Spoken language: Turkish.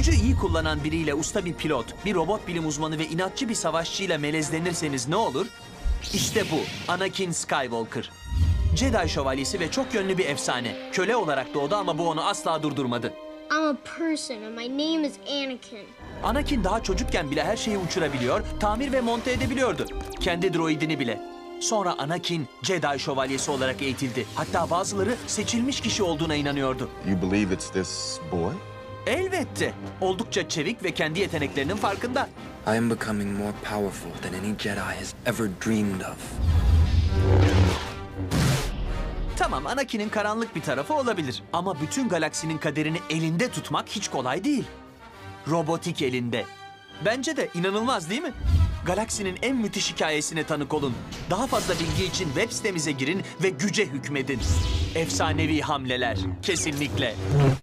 Gücü iyi kullanan biriyle usta bir pilot, bir robot bilim uzmanı ve inatçı bir savaşçıyla melezlenirseniz ne olur? İşte bu, Anakin Skywalker. Jedi şövalyesi ve çok yönlü bir efsane. Köle olarak doğdu ama bu onu asla durdurmadı. I'm a person and my name is Anakin. Anakin daha çocukken bile her şeyi uçurabiliyor, tamir ve monte edebiliyordu. Kendi droidini bile. Sonra Anakin, Jedi şövalyesi olarak eğitildi. Hatta bazıları seçilmiş kişi olduğuna inanıyordu. You believe it's this boy? Elbette. Oldukça çevik ve kendi yeteneklerinin farkında. I am becoming more powerful than any Jedi has ever dreamed of. Tamam, Anakin'in karanlık bir tarafı olabilir. Ama bütün galaksinin kaderini elinde tutmak hiç kolay değil. Robotik elinde. Bence de inanılmaz değil mi? Galaksinin en müthiş hikayesine tanık olun. Daha fazla bilgi için web sitemize girin ve güce hükmedin. Efsanevi hamleler. Kesinlikle.